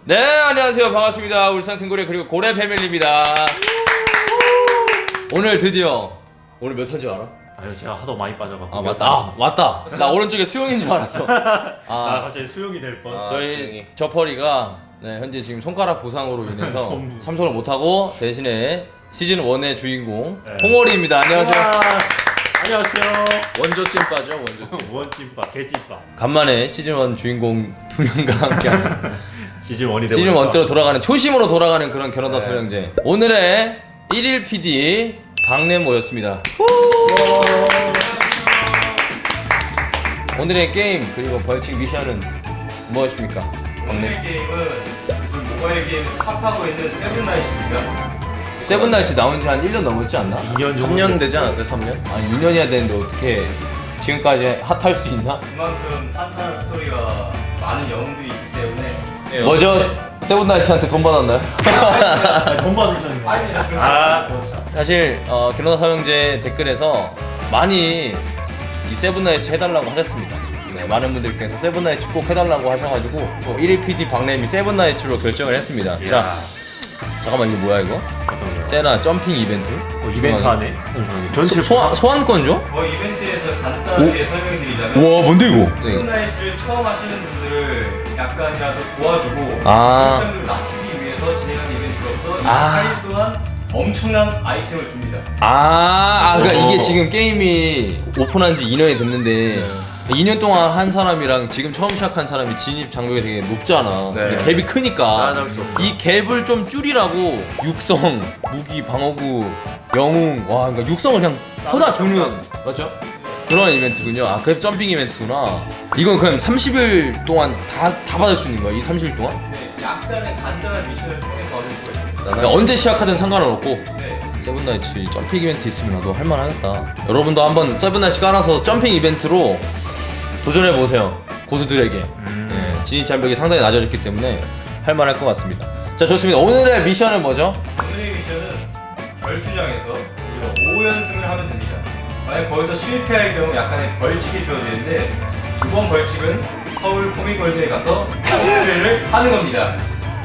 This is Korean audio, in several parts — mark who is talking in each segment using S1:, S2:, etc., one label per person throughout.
S1: 네, 안녕하세요. 반갑습니다. 울산 큰고래 그리고 고래 패밀리입니다. 오늘 드디어 오늘 몇 탄 줄 알아?
S2: 아유 제가 하도 많이 빠져갖고.
S1: 아 맞다. 아 맞다. 나 오른쪽에 수용인 줄 알았어.
S2: 나
S1: 아
S2: 갑자기 수용이 될 뻔.
S1: 저희 저퍼리가 네, 현재 지금 손가락 부상으로 인해서
S2: 손부.
S1: 참석을 못하고 대신에 시즌 1의 주인공
S2: 네.
S1: 홍월이입니다. 안녕하세요.
S2: 우와, 안녕하세요.
S3: 원조 찐빠죠, 원조 찐.
S2: 원찐밥, 개찐밥.
S1: 간만에 시즌 1 주인공 두 명과 함께하는
S2: 시즌 1이 되고.
S1: 시즌 1대로 돌아가는 초심으로 돌아가는 그런 결혼다
S3: 네.
S1: 서명제. 오늘의 1일 PD 박래 모였습니다. 오늘의 게임 그리고 벌칙 미션은 무엇입니까?
S4: 오늘의 게임은 요즘 모바일 게임에서 핫하고 있는 세븐나잇입니다.
S1: 세븐나이츠 나온 지 한 1년 넘었지 않나?
S2: 2년
S3: 3년 되지 않았어요? 3년?
S1: 아니 2년이야 되는데 어떻게 지금까지 핫할 수 있나?
S4: 그만큼 핫한 스토리가 많은 영웅들이 있기 때문에
S1: 뭐죠? 세븐나이츠한테 돈 받았나요?
S2: 돈 받으셨네요.
S4: 아닙니다. 그런
S2: 아,
S4: 거
S1: 사실 결혼다 서명제 댓글에서 많이 이 세븐나이츠 해달라고 하셨습니다. 네, 많은 분들께서 세븐나이츠 꼭 해달라고 하셔가지고 또 1일 PD 박래미 세븐나이츠로 결정을 했습니다. 자, 잠깐만 이거 뭐야 이거?
S2: 어떤 거요?
S1: 세나 점핑 이벤트?
S2: 이벤트 하네. 전체
S1: 소환권죠?
S4: 저희 이벤트에서 간단하게 설명드리자면
S1: 우와 뭔데 이거?
S4: 세븐나잇을 처음 하시는 분들을 약간이라도 도와주고
S1: 아.
S4: 설정을 낮추기 위해서 진행한 이벤트로서 이
S1: 아.
S4: 4일 동안 엄청난 아이템을 줍니다.
S1: 그러니까
S2: 오.
S1: 이게 지금 게임이 오픈한 지 2년이 됐는데 2년 동안 한 사람이랑 지금 처음 시작한 사람이 진입 장벽이 되게 높잖아.
S3: 네.
S1: 근데 갭이 크니까
S3: 따라잡을 수 없다.
S1: 이 갭을 좀 줄이라고 육성, 무기, 방어구, 영웅, 와 그러니까 육성을 그냥 쏟아주는 맞죠? 그런 이벤트군요. 아 그래서 점핑 이벤트구나. 이건 그냥 30일 동안 다 받을 수 있는 거야? 이 30일 동안?
S4: 네, 약간의 간단한 미션을 통해서 얻을 수가 있습니다.
S1: 그러니까 언제 시작하든 상관은 없고
S4: 네.
S1: 세븐나이츠 이 점핑 이벤트 있으면 나도 할만하겠다. 여러분도 한번 세븐나이츠 깔아서 점핑 이벤트로 도전해보세요. 고수들에게. 네, 진입 장벽이 상당히 낮아졌기 때문에 할만할 것 같습니다. 자 좋습니다. 오늘의 미션은 뭐죠?
S4: 오늘의 미션은 결투장에서 우리가 5연승을 하면 됩니다. 만약 거기서 실패할 경우 약간의 벌칙이 주어지는데 이번 벌칙은 서울 코믹월드에 가서 코스프레를 하는 겁니다.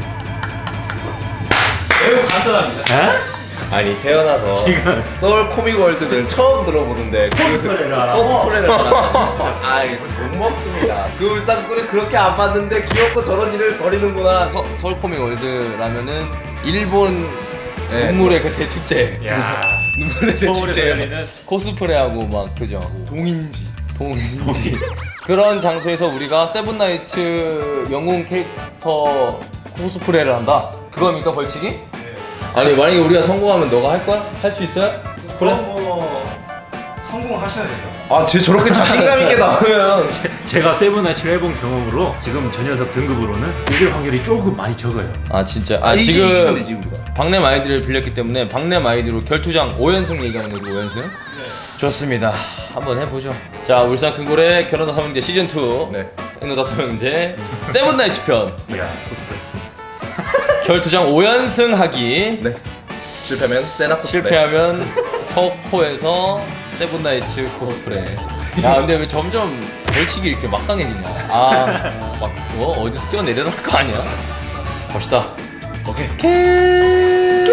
S4: 매우 간단합니다.
S3: 아니 태어나서
S2: 지금
S3: 서울 코믹 월드는 처음 들어보는데
S2: 코스프레를 하라고?
S3: 코스프레를 하라고? 아이 못 먹습니다. 그 울산꾼은 그렇게 안 봤는데 귀엽고 저런 일을 벌이는구나.
S1: 서울 코믹 월드라면은 일본
S3: 네.
S1: 눈물의 그 대축제.
S2: 야.
S3: 눈물의
S2: 서울에서
S3: 대축제.
S2: 열리는
S1: 코스프레하고 막 그죠.
S3: 동인지.
S1: 동인지 그런 장소에서 우리가 세븐나이츠 영웅 캐릭터 코스프레를 한다. 그겁니까 벌칙이?
S4: 네.
S1: 아니 만약에 우리가 성공하면 너가 할 거야? 할 수 있어요?
S4: 그럼 뭐 성공하셔야 돼요.
S3: 아쟤 저렇게 자신감 있게 나오면
S2: 제가 세븐나이츠를 해본 경험으로 지금 저 녀석 등급으로는 이길 확률이 조금 많이 적어요.
S1: 아 진짜 아
S3: 이기면
S1: 지금
S3: 되지, 우리가.
S1: 박램 아이디를 빌렸기 때문에 박램 아이디로 결투장 5연승 얘기하는 거죠. 5연승? 좋습니다. 한번 해보죠. 자 울산 큰고래 결혼다 서명제 시즌2
S3: 네.
S1: 결혼다 서명제 세븐나이츠 편
S2: 야, 코스프레.
S1: 결투장 5연승 하기.
S3: 네. 실패면 세나 코스프레.
S1: 실패하면 석호에서 세븐나이츠 코스프레. 야 근데 왜 점점 벌칙이 이렇게 막강해지냐? 아막 어디서 뛰어내려라 할 거 아니야? 갑시다.
S3: 오케이.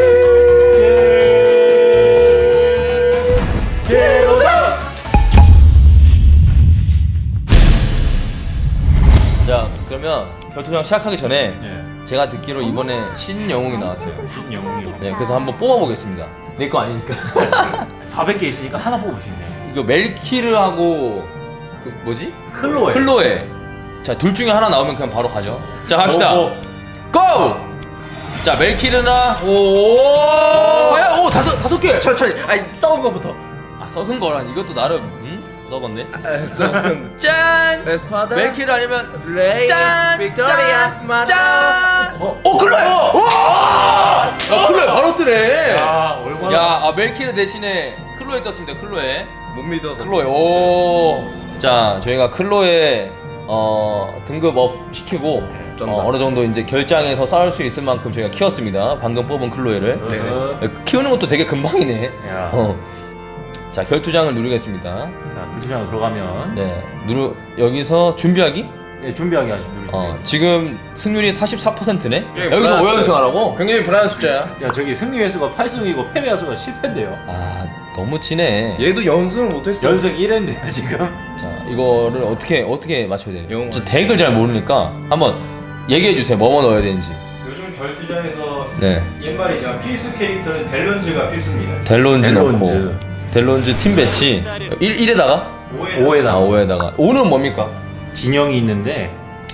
S1: 자 그러면 결투장 시작하기 전에
S2: 예.
S1: 제가 듣기로 이번에 신영웅이 나왔어요.
S2: 신영웅이요.
S1: 네 그래서 한번 뽑아보겠습니다. 내 거 아니니까.
S2: 400개 있으니까 하나 뽑을 수 있네요.
S1: 이거 멜키르하고 그 뭐지?
S2: 클로에.
S1: 클로에. 자 둘 중에 하나 나오면 그냥 바로 가죠. 자 갑시다.
S2: 오, 오.
S1: 고! 자 멜키르나
S3: 오.
S1: 과연 오 다섯 개.
S3: 천천히. 아니 싸운 거부터.
S1: 아 썩은 거란 이것도 나름 썩었네.
S3: 아,
S1: 짠.
S3: 에스파다.
S1: 멜키르 아니면
S3: 레이.
S1: 짠.
S3: 빅토리아.
S1: 짠. 짠.
S3: 클로에.
S1: 야 클로에 바로 뜨네.
S2: 야, 얼마나.
S1: 야 멜키르 대신에 클로에 떴습니다. 클로에.
S3: 못 믿어서.
S1: 클로에. 오. 자 저희가 클로에 등급 업 시키고
S3: 쩐다.
S1: 어느 정도 이제 결장에서 싸울 수 있을 만큼 저희가 키웠습니다. 방금 뽑은 클로에를.
S3: 네.
S1: 키우는 것도 되게 금방이네.
S2: 야.
S1: 자 결투장을 누르겠습니다.
S2: 자, 불투장으로 들어가면
S1: 네 여기서 준비하기?
S2: 예, 준비하게 하시 누르시면
S1: 지금 승률이 44%네?
S3: 예,
S1: 여기서
S3: 불안한
S1: 5연승 하라고?
S3: 굉장히 불안한 숫자야.
S2: 야 저기 승리 횟수가 8승이고 패배 횟수가 10회인데요.
S1: 아 너무 치네.
S3: 얘도 연승을 못했어.
S2: 연승 1회인데요 지금.
S1: 자 이거를 어떻게 맞춰야 되냐?
S3: 영어.
S1: 저 덱을 잘 모르니까 한번 얘기해 주세요. 뭐뭐 넣어야 되는지.
S4: 요즘 결투장에서
S1: 네.
S4: 옛말이지만 필수 캐릭터는 델런즈가 필수입니다.
S1: 델론즈
S2: 델론즈.
S1: 넣고 델론즈 팀 배치 1에다가
S4: 5에
S1: 아 5에다가 5는 뭡니까?
S2: 진영이 있는데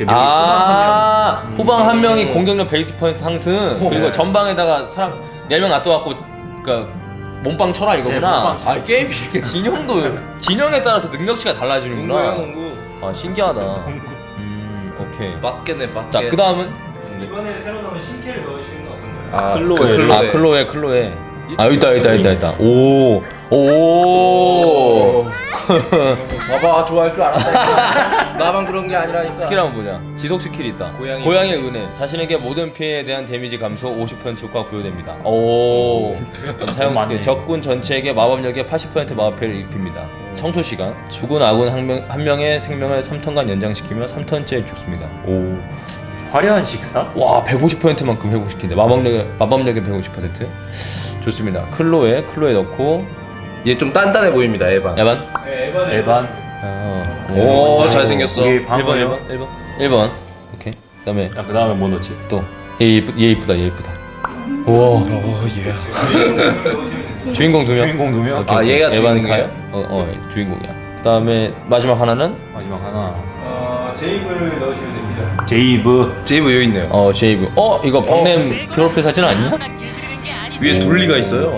S1: 후방 한 명이 공격력 베이스 포인트 상승 그리고 전방에다가 사람 4명 놔둬갖고 그니까 몸빵 쳐라 이거구나.
S2: 몸빵 쳐.
S1: 아 게임이 이렇게 진영에 따라서 능력치가 달라지는구나.
S3: 농구야 농구.
S1: 아 신기하다. 오케이.
S3: 바스켓네 바스켓.
S1: 자 그 다음은
S4: 이번에 새로 나온 신캐를 넣으시는 건 어떤가요?
S2: 클로에.
S1: 클로에. 아 여기 있다. 오.
S3: 봐봐 좋아할 줄 알았다. 나만 그런 게 아니라니까.
S1: 스킬 한번 보자. 지속 스킬이 있다. 고양이의 은혜. 자신에게 모든 피해에 대한 데미지 감소 50% 효과가 부여됩니다. 오. 사용 스킬. 적군 전체에게 마법력의 80% 마법 피해를 입힙니다. 청소 시간. 죽은 아군 한 명의 생명을 3턴간 연장시키며 3턴째 죽습니다. 오.
S2: 화려한 식사?
S1: 와 150%만큼 회복시킨대. 마법력의 150%. 좋습니다. 클로에 넣고.
S3: 얘 좀 단단해 보입니다 에반.
S1: 야반.
S4: 네,
S2: 에반.
S3: 오 잘생겼어.
S2: 우리
S1: 1번. 오케이. 그다음에
S2: 그 다음에 뭐 넣지?
S1: 또 얘 이쁘다. 우와. 주인공 2명.
S2: 주인공 2명?
S1: 오케이,
S3: 아,
S1: 오케이.
S3: 얘가
S1: 에반
S3: 주인공이에요?
S1: 카요? 주인공이야. 그다음에 마지막 하나는
S2: 마지막 하나
S4: 제이브를 넣으시면 됩니다.
S2: 제이브.
S3: 제이브 여기 있네요.
S1: 제이브. 이거 박냄 프로필 사진 아니야?
S3: 위에 둘리가 있어요.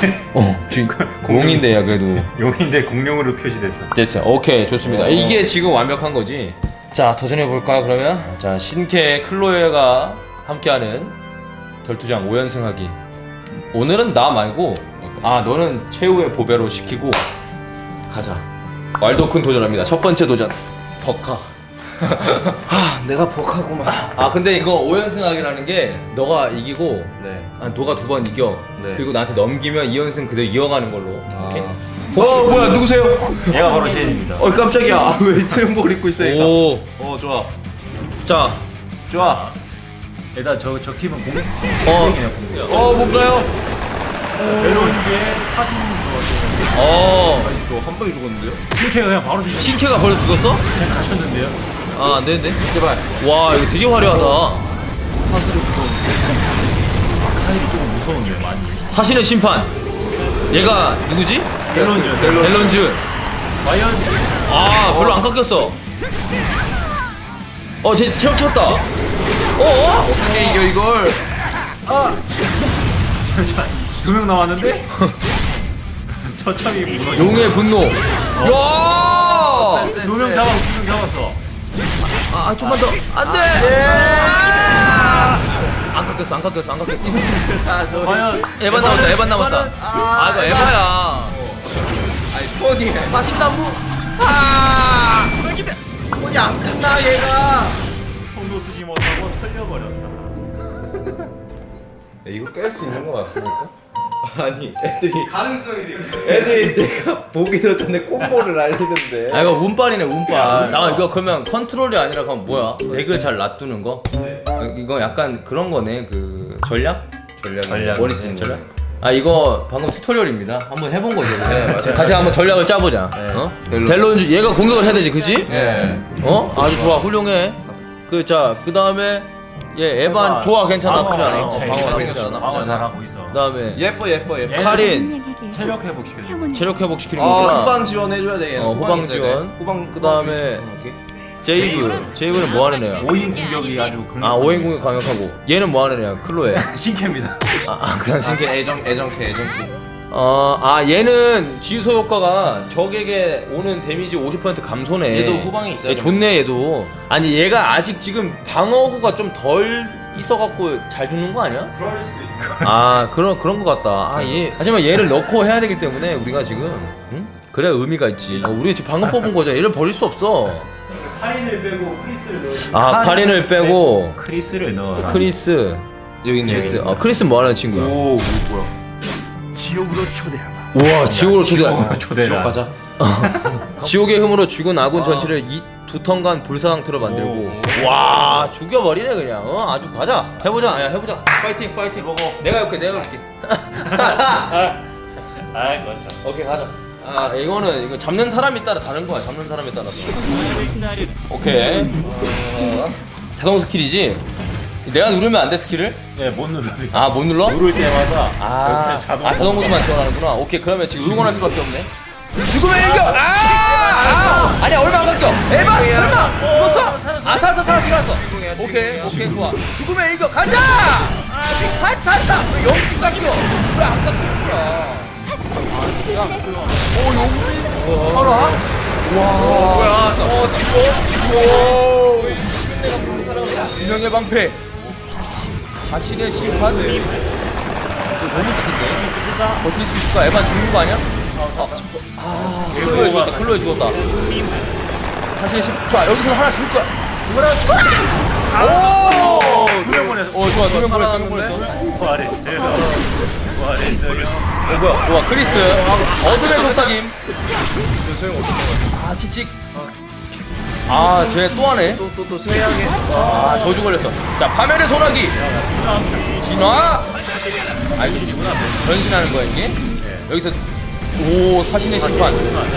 S1: 공인데야 그래도.
S2: 용인데 공룡으로 표시됐어.
S1: 됐어. 오케이 좋습니다. 이게 지금 완벽한 거지. 자 도전해 볼까요 그러면? 자 신캐 클로에가 함께하는 결투장 5연승하기. 오늘은 나 말고 너는 최후의 보배로 시키고 가자. 왈도쿤 도전합니다. 첫 번째 도전 버카.
S3: 내가 버카구만.
S1: 근데 이거 5연승하기라는 게 너가 이기고
S3: 네.
S1: 너가 2번 이겨.
S3: 네.
S1: 그리고 나한테 넘기면 2연승 그대로 이어가는 걸로. 오케이?
S3: 뭐야 누구세요?
S2: 얘가 바로 셰인입니다.
S3: 깜짝이야. 왜 수영복을 입고 있으니까.
S1: 오.
S3: 좋아.
S1: 자.
S3: 좋아.
S2: 일단 저 팀은 공룡이네 공룡.
S3: 뭔가요?
S2: 델론즈의 사신 그거
S3: 한 방에 죽었는데요?
S2: 신캐가 그냥 바로 지금
S1: 신캐가 벌써 죽었어?
S2: 가셨는데요.
S1: 안 되는데? 제발. 와 이거 되게 화려하다.
S2: 카일이 조금 무서운데 많이.
S1: 사신의 심판. 얘가 누구지? 델론즈.
S2: 과연
S1: 별로 안 깎였어. 쟤 체력 찼다.
S3: 어떻게 이겨 이걸?
S2: 2명 남았는데? 처참히 무너져.
S1: 용의 분노. 야!
S2: 2명 잡았어.
S1: 좀만 더. 안 돼! 안 깎였어.
S2: 과연
S1: 에반 남았다. 이거 에바야.
S3: 아니 폰이.
S1: 사신나무.
S3: 폰이 안 끝나 얘가.
S2: 손도 쓰지 못하고 털려버렸다.
S3: 이거 깰 수 있는 거 맞습니까? 아니 애들이
S4: 가능성이 있습니다.
S3: 내가 보기도 전에 콤보를 날리는데.
S1: 이거 운빨이네 운빨. 이거 그러면 컨트롤이 아니라 그럼 뭐야? 덱을 잘 놔두는 거? 이거 약간 그런 거네. 그 전략?
S2: 전략.
S1: 머리 쓰는 전략? 이거 방금 튜토리얼입니다. 한번 해본 거죠.
S3: 맞아요.
S1: 같이 한번 전략을 짜보자. 델론즈 얘가 공격을 해야 되지, 그지?
S3: 네.
S1: 아주 좋아, 훌륭해. 그 다음에 얘 에반 좋아, 괜찮아, 나쁘지 않아. 방어 나쁘지 않아.
S2: 방어 잘하고 있어.
S1: 그다음에
S3: 예뻐.
S1: 카린
S2: 체력 회복시켜줘.
S1: 체력 회복시키는 거구나.
S3: 후방 지원해줘야 돼. 얘는.
S1: 후방 지원.
S3: 후방.
S1: 그다음에 제이브는 뭐 하는 애야?
S2: 5인 공격이 아주 강력한.
S1: 5인 공격 강력하고. 얘는 뭐 하는 애야? 클로에.
S2: 신캐입니다.
S1: 그냥 신기.
S3: 애정캐.
S1: 얘는 지소 효과가 적에게 오는 데미지 50% 감소네.
S3: 얘도 후방에 있어요.
S1: 얘 좋네 얘도. 아니 얘가 아직 지금 방어구가 좀 덜 있어갖고 잘 죽는 거 아니야?
S4: 그럴 수도 있습니다.
S1: 그런 거 같다. 하지만 얘를 넣고 해야 되기 때문에 우리가 지금 그래야 의미가 있지. 우리 지금 방금 뽑은 거잖아. 얘를 버릴 수 없어.
S4: 카린을 빼고 크리스를 넣으시면
S1: 카린을 빼고
S2: 크리스를 넣어라.
S1: 크리스.
S3: 여기 있네.
S1: 크리스 뭐 하는 친구야?
S3: 뭐야?
S2: 지옥으로 초대하라.
S1: 우와 지옥으로 초대.
S2: 초대라.
S3: 가자.
S1: 지옥의 흠으로 죽은 아군 전체를 2턴간 불사 상태로 만들고. 와 죽여버리네 그냥. 아주 가자. 해보자. 야 해보자. 파이팅 파이팅.
S2: 먹어.
S1: 내가 이렇게 내가 이렇게.
S2: 맞다.
S1: 오케이 가자. 아 이거는 이거 잡는 사람이 따라 다른 거야. 잡는 사람에 따라서. 오케이. 자동 스킬이지. 내가 누르면 안 돼 스킬을?
S2: 네, 못 누르면.
S1: 아 못 눌러?
S2: 누를 때마다
S1: 자동 모드만 지원하는구나. 오케이 그러면 지금 응원할 수밖에 없네. 죽음의 일격! 아니야 얼마 안 갔겨. 에바 설마 죽었어? 아 살았어. 오케이 좋아. 죽음의 일격 가자. 다. 왜 영축 깎여? 왜 안 깎여? 아 진짜. 오 용민. 알아? 와. 뭐야? 뒤로. 유명의 방패. 자신의 심판. 너무 세긴데? 버틸 수 있을까? 에반 죽는 거 아니야? 클로에 죽었다. 사실 좋아 여기서 하나 죽을 거야. 오!
S2: 2명 보냈어.
S1: 좋아 2명 보냈어.
S2: 부활했어요.
S1: 좋아 크리스. 어둠의 속삭임. 치칙. 쟤 또 하네.
S3: 또 세양에.
S1: 저주 걸렸어. 자 파멸의 소나기. 진화. 이거 변신하는 거야 이게? 여기서 사신의 심판.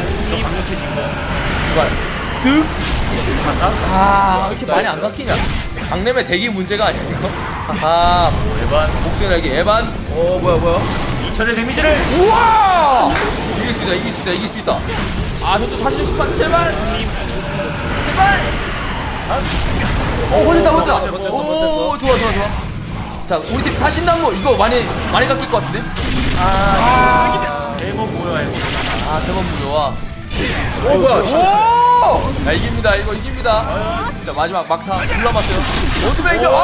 S1: 주발. 쓱. 이렇게 많이 안 깎이냐? 강림의 대기 문제가 아니야 이거?
S2: 에반.
S1: 복수의 날개 에반.
S3: 뭐야?
S2: 2000의 데미지를.
S1: 우와! 이길 수 있다. 저도 사신의 심판 제발. 버텼다.
S2: 버텼어.
S1: 좋아. 자 우리 팀 사신당무 이거 많이 깎일 것 같은데?
S2: 대모 뭐야 이거.
S1: 세번 무효와.
S3: 뭐야?
S1: 야 이깁니다. 이거 이깁니다. 자 마지막 막타 둘 남았어요. 어둠의 이겨.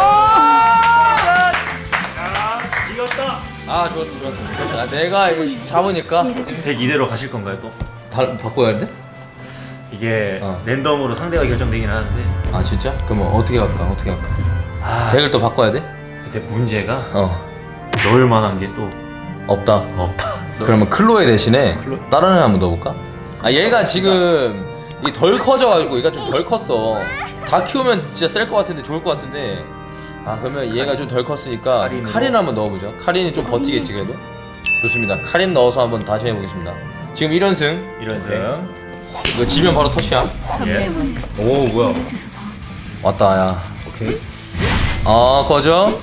S2: 지겼다.
S1: 좋았어. 내가 이거 잡으니까
S2: 색 이대로 가실 건가요 또?
S1: 바꿔야 돼?
S2: 이게
S1: 어.
S2: 랜덤으로 상대가 결정되긴 하는데
S1: 진짜? 그러면 어떻게 갈까? 덱을 또 바꿔야 돼?
S2: 근데 문제가 넣을 만한 게 또
S1: 없다. 그러면 클로에 대신에 다른 애 한번 넣어볼까? 얘가 지금 이 덜 커져가지고 얘가 좀 덜 컸어. 다 키우면 진짜 셀 것 같은데 좋을 것 같은데. 그러면 얘가 좀 덜 컸으니까 카린 한번 넣어보죠. 카린이 좀 버티겠지 그래도. 좋습니다. 카린 넣어서 한번 다시 해보겠습니다. 지금 1연승. 이거 지면 바로 터치야.
S3: 오 뭐야?
S1: 왔다 야. 오케이. 꺼져.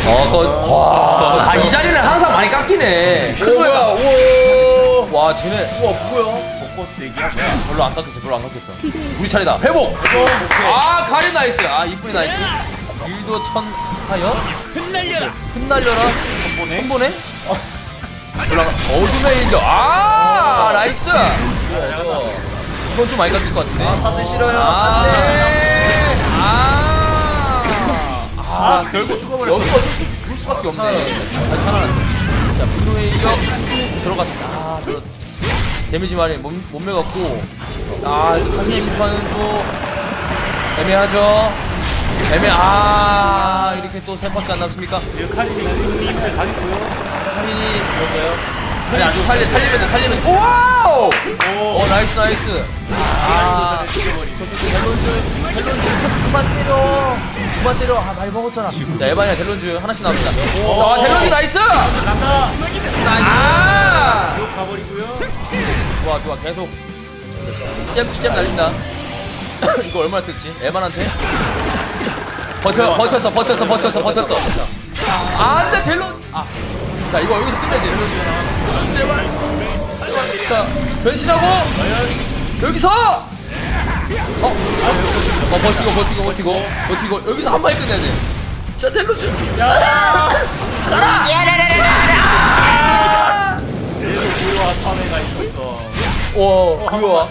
S1: 이 자리는 항상 많이 깎이네.
S3: 뭐야?
S1: 와 쟤네.
S3: 뭐야?
S1: 별로 안 깎였어. 우리 차례다. 회복. 카린 나이스. 이쁜이 나이스. 일도 천하여. 흩날려라. 천보네. 어둠의 일격. 나이스. 이건 좀 많이 깎일 것 같은데.
S3: 사슬 싫어요.
S1: 안돼. 결국 죽어버렸어. 여기가 죽을 수밖에 없네. 잘 살아났네. 자 분노의 일격 들어갔습니다. 데미지 많이 못 매갔고. 사신의 심판은 또 애매하죠. 이렇게 또 세 번째 안 남습니까? 카린이 죽었어요. 아주 살리면 돼. 와우! 나이스. 그만 때려. 많이 먹었잖아. 자 에반이랑 델론즈 하나씩 나옵니다. 자 델론즈 나이스.
S2: 지옥 가버리고요.
S1: 좋아 계속 잼 날린다. 이거 얼마나 썼지? 에반한테 버텼어. 안돼 델론. 자 이거 여기서 끝내지. 제발. 자 변신하고 여기서 버티고 여기서 한 방에 끝내야 돼. 자 델로스 가라.
S2: 그와 탐해가 있었어.
S1: 그거야.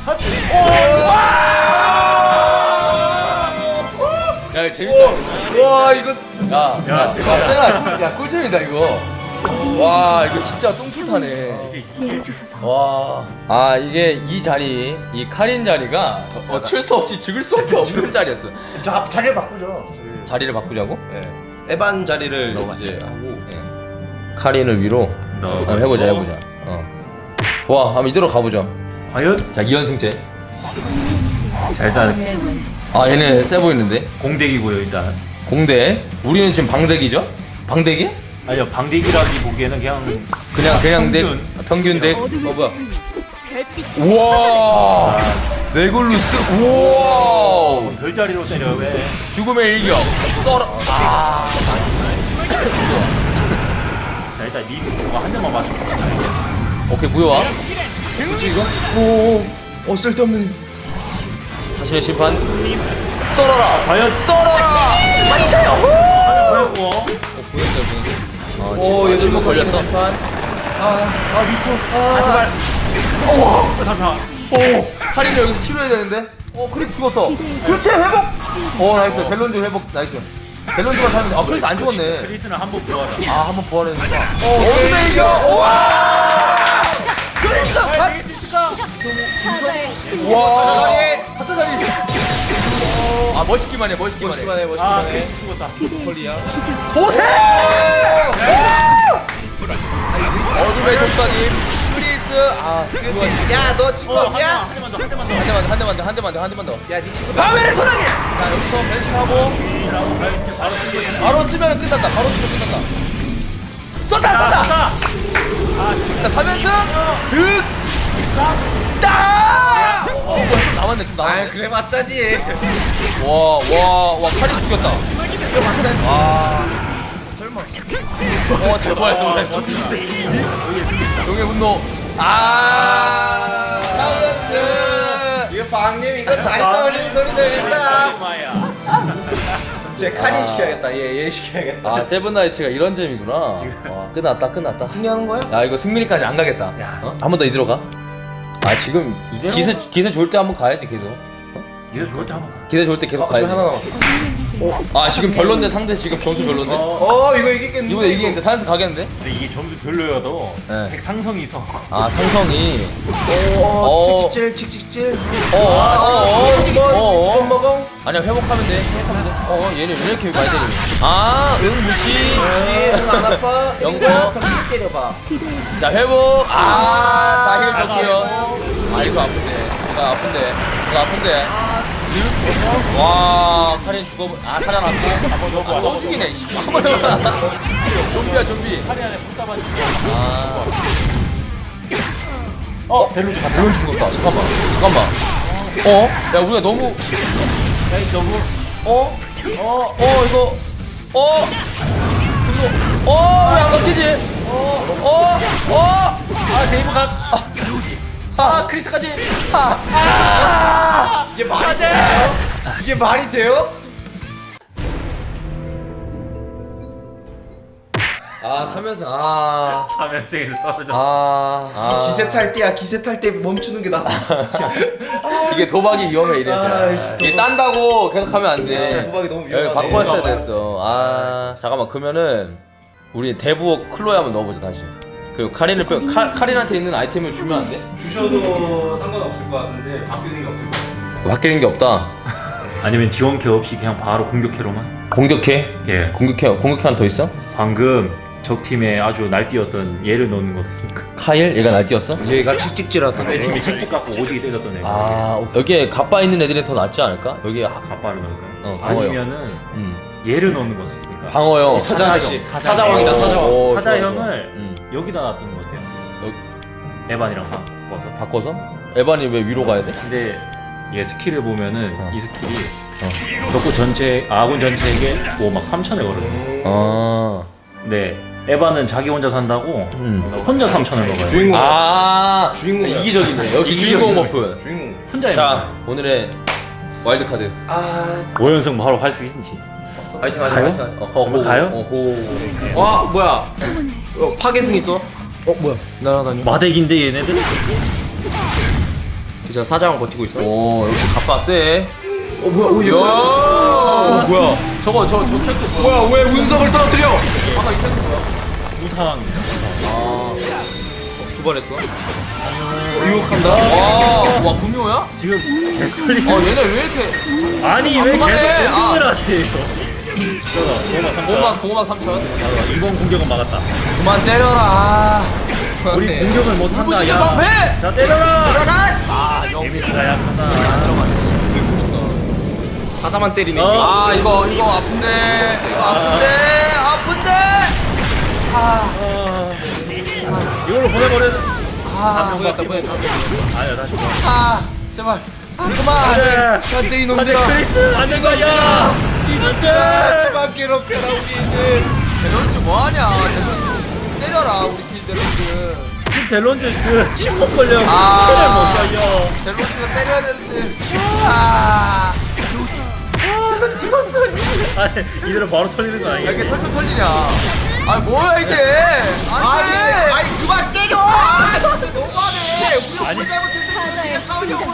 S1: 야 재밌다.
S3: 와 이거
S2: 야, 대박.
S1: 세나 꿀잼이다 이거. 와 이거 진짜 똥줄 타네. 이게 이 자리, 이 카린 자리가 어쩔 수 없이 죽을 수밖에 없는 자리였어.
S3: 저 자리를 바꾸죠.
S1: 자리를 바꾸자고?
S3: 에반 자리를 이제 하고.
S1: 카린을 위로 한번 해보자. 좋아, 한번 이대로 가보자.
S2: 과연?
S1: 자 2연승제.
S2: 자 일단
S1: 아 얘네 세 보이는데.
S2: 공대기고요 일단.
S1: 공대. 우리는 지금 방대기죠? 방대기?
S2: 아니요 방대기라기 보기에는 그냥
S1: 그냥 덱.
S2: 평균.
S1: 평균 덱. 뭐야? 우와. 네골루스. 우와.
S2: 별자리로 때려 왜?
S1: 죽음의 일격. 썰어. 아.
S2: 자 일단 님 저거 한 대만 맞으면 죽잖아.
S1: 오케이 무효와. 뭐지 이거?
S3: 오, 쓸데없는.
S1: 사실의 심판. 썰어라.
S2: 과연?
S1: 썰어라.
S2: 뭐였고?
S3: 오, 얘들
S1: 침묵 걸렸어.
S3: 미코.
S1: 아 제발.
S2: 잠깐.
S1: 카린이 여기서 치료해야 되는데. 크리스 죽었어. 그렇지 회복. 나이스. 델론즈 회복 나이스. 델론즈만 살면 돼. 크리스 안 죽었네.
S2: 크리스는 한번 부활하.
S1: 한번 부활했는데. 어디에 이겨? 우와. 크리스.
S2: 잘 이길 수 있을까?
S1: 와. 사자다리. 멋있기만 해. 멋있기만 해.
S2: 아 크리스 죽었다.
S1: 소세! 어둠의 속삭임 크리스.
S3: 야, 너 친구 없냐?
S2: 한 대만 더.
S1: 한 대만 더.
S3: 야, 네 친구.
S1: 바벨의 소나기. 자 여기서 벤치하고 바로 쓰면 끝난다. 쏜다. 자 3연승 슥 따. 좀 남았네.
S3: 그래 맞자지.
S1: 와 칼이 죽였다. 설마. 대포했어. 용의 분노. 3연승.
S3: 이거 방님 이거 다리 떨리는 소리 들린다.
S2: 마야.
S3: 제 카린 시켜야겠다. 얘 시켜야겠다.
S1: 세븐나이츠가 이런 재미구나. 와, 끝났다.
S3: 승리하는 거야?
S1: 야 이거 승민이까지 안 가겠다. 한 번 더 이대로 가. 지금 기세 좋을 때 한번 가야지 계속.
S2: 이거 좋을 때 한번 가.
S1: 기세 좋을 때 계속
S3: 저기
S1: 가야지.
S3: 하나 남았어.
S1: 지금 별론데 상대 지금 점수 별론데.
S3: 이거 이기겠는데.
S1: 이번에 이기니까 4연승 가겠는데?
S2: 근데 이게 점수 별로여도
S1: 네.
S2: 백 상성이 있어.
S1: 상성이.
S3: 칙칙질.
S1: 어.
S3: 먹어.
S1: 아니야 회복하면 돼. 얘는 왜 이렇게 많이 때리니? 응 무시.
S3: 안 아파.
S1: 영거.
S3: 더 때려봐.
S1: 자 회복. 자힐 줬고요. 이거 아픈데. 이거 아픈데. 와 카린 죽어. 카린 아프고. 또 죽이네. 한번 더. 좀비.
S2: 팔이 안에 불사반.
S1: 델론 죽었다. 잠깐만. 야 우리가 너무. 이거. 왜 안 깎이지?
S2: 제이브 크리스까지.
S3: 이게 말이 돼요? 이게 말이 돼요?
S1: 3연승.
S2: 3연승에서 떨어졌어.
S3: 기세 탈 때야. 기세 탈 때 멈추는 게 낫어.
S1: 이게 도박이 위험해 이래서. 이게 딴다고 계속하면 안 돼.
S3: 도박이 너무
S1: 여기
S3: 위험하네.
S1: 바꿨어야 됐어. 잠깐만 그러면은 우리 대부어 클로에 한번 넣어보자 다시. 그리고 카린을 카린한테 있는 아이템을 주면 안 돼?
S4: 주셔도 상관없을 것 같은데 바뀌는 게 없을 것 같습니다.
S1: 바뀌는 게 없다.
S2: 아니면 지원캐 없이 그냥 바로 공격캐로만.
S1: 공격해?
S2: 예.
S1: 공격해 하나 더 있어?
S2: 방금 적 팀에 아주 날뛰었던 얘를 넣는 거 어떻습니까?
S1: 카일? 얘가 날뛰었어?
S3: 얘가 칙칙질하다.
S2: 내 팀이 책찍 갖고 오지게 때렸던 애.
S1: 여기에 가빠 있는 애들이 더 낫지 않을까? 여기
S2: 가빠를 넣을까요?
S1: 방어요.
S2: 아니면은 얘를 넣는 거 어떻습니까?
S1: 방어요.
S3: 사자왕이다, 사자왕.
S1: 오,
S2: 사자형을
S1: 좋아.
S2: 여기다 놔두는 거 어때요? 에반이랑 바꿔서.
S1: 바꿔서? 에반이 왜 위로 가야 돼?
S2: 근데 얘 스킬을 보면은 이 스킬이 적군 전체 아군 전체에게 막 3천에 걸어줘. 근데 에반은 자기 혼자 산다고 혼자 3천을 먹어요.
S3: 주인공.
S1: 주인공이야. 이기적이네. 역시 주인공 버프.
S3: 주인공.
S2: 혼자
S1: 자, 오늘의 와일드 카드.
S2: 5연승 바로 할 수 있는지.
S1: 화이팅
S2: 가요? 가요?
S3: 와, 뭐야? 파괴승 있어? 뭐야? 날아다녀.
S2: 마덱인데 얘네들?
S3: 진짜 사자왕 버티고 있어?
S1: 오, 역시 가빠 세.
S3: 뭐야?
S1: 야, 뭐야? 저 캐릭터 뭐야?
S3: 뭐야? 왜 운석을 떨어뜨려?
S1: 이 캐릭터 뭐야?
S2: 무상.
S3: 두 번 했어. 유혹한다.
S1: 와, 구미호야?
S2: 지금
S1: 얘네 왜 이렇게
S2: 아니 왜
S1: 그만해.
S2: 계속 공격을 하세요?
S1: 고막 3천.
S2: 이번 공격은 막았다.
S1: 그만 때려라.
S2: 우리 공격을 못 한다.
S1: 무지개
S2: 야.
S1: 방패.
S2: 자 때려라.
S3: 들어가!
S1: 아 역시.
S2: 데미지가 약하다.
S3: 사자만 때리네.
S1: 아 이거 아픈데.
S2: 이걸로 보내버려.
S1: 보냈다.
S2: 아니야 다시.
S1: 제발. 그만.
S3: 안돼 이놈들아.
S2: 크리스 안 된다. 야.
S3: 이놈들아 그만 괴롭혀라 우리들.
S1: 델론즈 뭐하냐? 델론즈 때려라 우리 팀 델론즈.
S2: 지금 델론즈 그 침묵 걸려.
S1: 아.
S2: 그래 못 살려.
S1: 델론즈가 때려야 되는데.
S2: 아니 이대로 바로 털리는 거 아니야?
S1: 이게 털털 털리냐? 아 뭐야 이게?
S3: 아니 그만 때려. 너무하네. 우리가
S2: 아니.
S3: 뭘 잘못했는데 싸우려고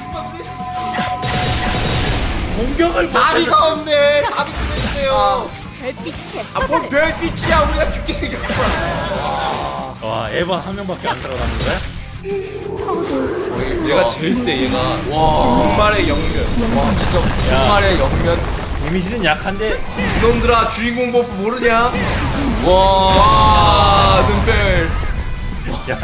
S2: 공격을
S3: 자비가 없네. 자비 좀 해주세요.
S5: 별빛에
S3: 아뭔 별빛이야. 우리가 죽게 생겼구나.
S2: 와 에바 한 명밖에 안 들어가는 거야?
S3: 얘가 제일 세 얘가. 와 정말의 영면.
S1: 와 진짜 정말의 영면.
S2: 데미지는 약한데
S3: 이놈들아 주인공 버프 모르냐?
S1: 와 눈별.
S2: 야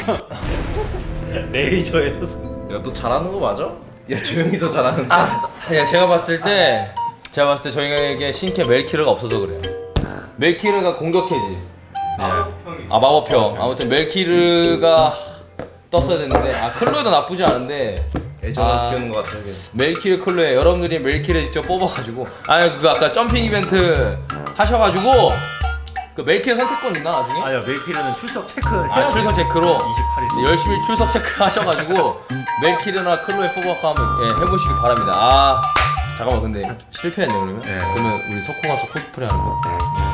S2: 레이저에서
S3: 야 너 잘하는 거 맞아? 야 조용히 더 잘하는데.
S1: 야 제가 봤을 때 저희에게 신캐 멜키르가 없어서 그래요. 멜키르가 공격해지.
S4: 마법형이.
S1: 아 마법형. 아무튼 멜키르가 떴어야 됐는데 클로에도 나쁘지 않은데
S3: 애정을 키우는 것 같아. 이게.
S1: 멜키르 클로에 여러분들이 멜키르 직접 뽑아가지고 그거 아까 점핑 이벤트 하셔가지고 그 멜키르 선택권 있나 나중에?
S2: 아니야 멜키르는 출석 체크를 해야
S1: 출석 체크로
S2: 28일
S1: 열심히 출석 체크 하셔가지고 멜키르나 클로에 뽑아서 한번 해보시기 바랍니다. 잠깐만 근데 실패했네 그러면?
S2: 네.
S1: 그러면 우리 석호 가서 코스프레 하는 거야?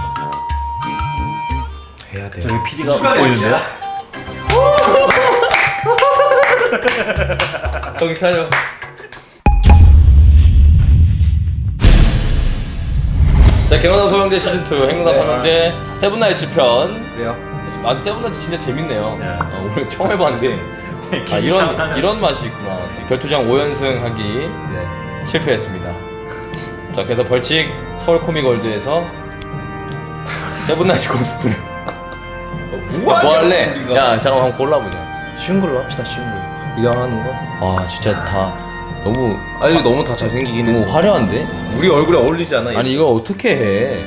S3: 해야 돼.
S2: 저기 PD가 웃고 있는데요?
S1: 정신 차려. 자, 개노다 소형제 시즌2 행노다 삼형제 세븐나이츠 편.
S3: 그래요?
S1: 세븐나이츠 진짜 재밌네요.
S2: 네.
S1: 오늘 처음 해봤는데 이런 맛이 있구나. 결투장 5연승 하기
S3: 네.
S1: 실패했습니다. 자, 그래서 벌칙 서울 코믹월드에서 세븐나이츠 코스프레. 뭐 할래? 야, 잠깐만 한번 골라보자.
S3: 쉬운 걸로 합시다. 쉬운 거. 이거 하는 거?
S1: 아, 진짜 다 너무
S3: 아니 너무 다 잘생기긴 했어.
S1: 화려한데?
S3: 우리 얼굴에 어울리지 않아?
S1: 아니 이걸 어떻게 해?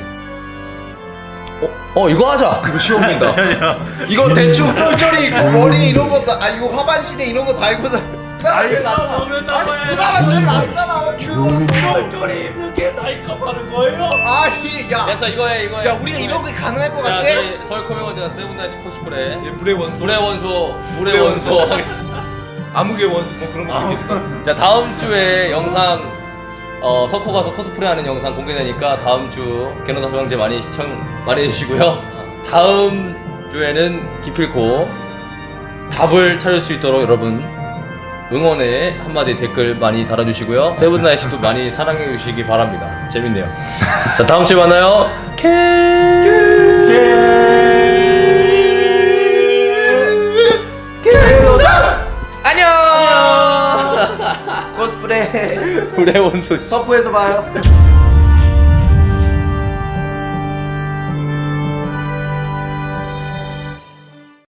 S1: 이거 하자.
S3: 이거 시험이다. 이거 대충 쫄쫄이 있고 머리 이런 거 다. 이거 하반신에 이런 거 달고 다. 그나마 제일 낫잖아. 아니 그나마 제일 낫잖아.
S2: 쫄쫄이 입는 게 나이값하는 거예요?
S3: 아니 야.
S1: 그래서 이거 해.
S3: 야 우리가 이런 게 가능할 것
S1: 자,
S3: 같아?
S1: 저희 서울 코믹월드가 세븐나이츠 코스프레.
S3: 불의 원소.
S1: 물의 원소 하겠습니다.
S3: 암흑의 원소 뭐 그런 것도 있겠다.
S1: 자, 다음 주에 영상 석호 가서 코스프레하는 영상 공개되니까 다음 주 개노다 소형제 많이 시청 많이 해주시고요. 다음 주에는 기필코 답을 찾을 수 있도록 여러분 응원의 한마디 댓글 많이 달아주시고요. 세븐나이츠도 많이 사랑해주시기 바랍니다. 재밌네요. 자, 다음 주에 만나요. 안녕.
S3: 코스프레
S1: 물의 원소.
S3: 석호에서 봐요.